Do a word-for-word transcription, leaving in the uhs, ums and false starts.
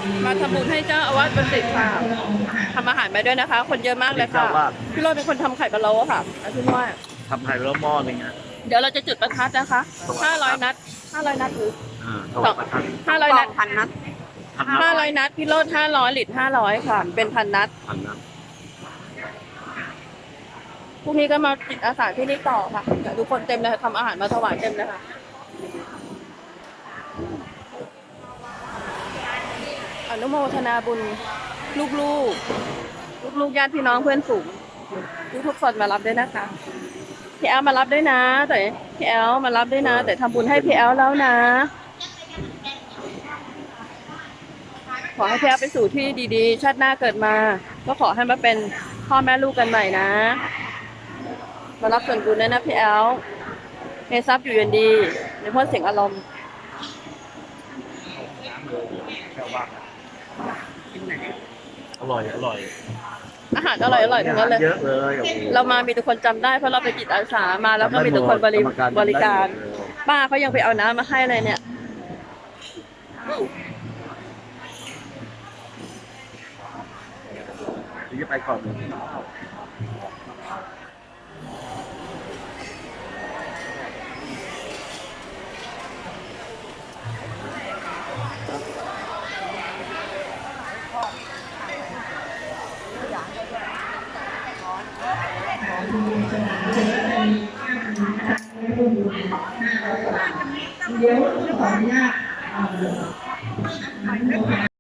มาทำบุญให้เจ้าอาวาสบัณฑิตค่ะทำอาหารไปด้วยนะคะ คนเยอะมากเลยค่ะพี่โรจน์เป็นคนทำไข่พะโล้ค่ะพี่ว่าทำไข่แล้วหม้อหนึงอ่ะเดี๋ยวเราจะจุดประทัดนะคะห้าร้อยนัดห้าร้อยนัดหรืออ่าถวายประทัดห้าร้อยนัดพันนัดพันนัห้าดร้อยนัดพี่โรจน์ห้าร้อยหลิตรห้าร้อยค่ะ เป็นพันนัดพันนัดพรุ่งนี้ก็มาจิตอาสาที่นี่ต่อค่ะเดี๋ยวทุกคนเต็มเลยค่ะทำอาหารมาถวายเต็มเลยค่ะอนุโมทนาบุญลูกๆลูกๆญาติพี่น้องเพื่อนฝูงทุกๆคนมารับด้วยนะคะพี่แอลมารับด้วยนะแต่พี่แอลมารับด้วยนะ แต่ทำบุญให้พี่แอลแล้วนะ ขอให้พี่แอลไปสู่ที่ดีๆชาติหน้าเกิดมา ก็ขอให้มาเป็นพ่อแม่ลูกกันใหม่นะมารับส่วนบุญด้วยนะพี่แอลเฮซับอยู่เย็นดีในพ้นเสียงอารมณ์อร่อยอร่อยอาหารอร่อยอร่อยทั้งนั้นเลยเยอะเลยโอ้โหเรามามีทุกคนจำได้เพราะเราไปจิตอาสามาแล้วก็มีทุกคนบริบริการป้าเขายังไปเอาน้ำมาให้เลยเนี่ยเดี๋ยวจะไปก่อนเลย